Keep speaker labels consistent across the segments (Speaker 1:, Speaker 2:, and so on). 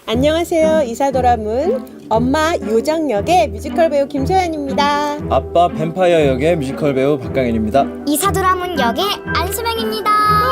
Speaker 1: 안녕하세요. 이사도라문 엄마 요정 역의 뮤지컬 배우 김소연입니다.
Speaker 2: 아빠 뱀파이어 역의 뮤지컬 배우 박강현입니다.
Speaker 3: 이사도라문 역의 안수명입니다.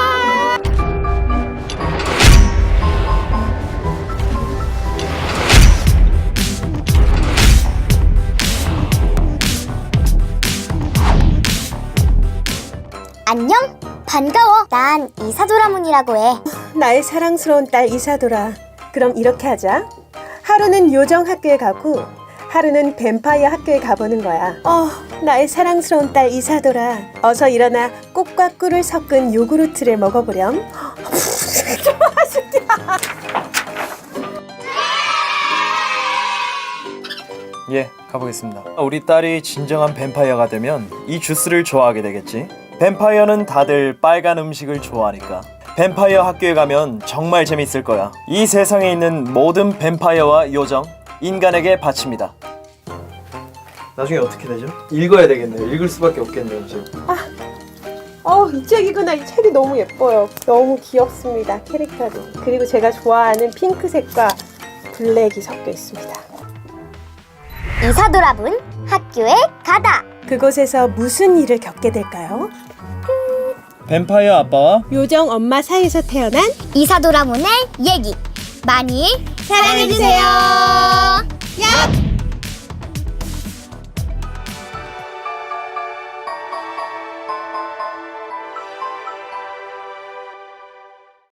Speaker 3: 안녕? 반가워. 난 이사도라문이라고 해.
Speaker 1: 나의 사랑스러운 딸 이사도라. 그럼 이렇게 하자. 하루는 요정 학교에 가고 하루는 뱀파이어 학교에 가보는 거야. 나의 사랑스러운 딸 이사도라. 어서 일어나 꽃과 꿀을 섞은 요구르트를 먹어보렴.
Speaker 2: 예, 가보겠습니다. 우리 딸이 진정한 뱀파이어가 되면 이 주스를 좋아하게 되겠지. 뱀파이어는 다들 빨간 음식을 좋아하니까. 뱀파이어 학교에 가면 정말 재밌을 거야. 이 세상에 있는 모든 뱀파이어와 요정, 인간에게 바칩니다. 나중에 어떻게 되죠? 읽어야 되겠네요. 읽을 수밖에 없겠네요, 이제.
Speaker 1: 이 책이구나. 이 책이 너무 예뻐요. 너무 귀엽습니다. 캐릭터도. 그리고 제가 좋아하는 핑크색과 블랙이 섞여 있습니다.
Speaker 3: 이사도라문 학교에 가다.
Speaker 1: 그곳에서 무슨 일을 겪게 될까요?
Speaker 2: 뱀파이어 아빠와
Speaker 1: 요정 엄마 사이에서 태어난
Speaker 3: 이사도라문의 얘기 많이 사랑해주세요.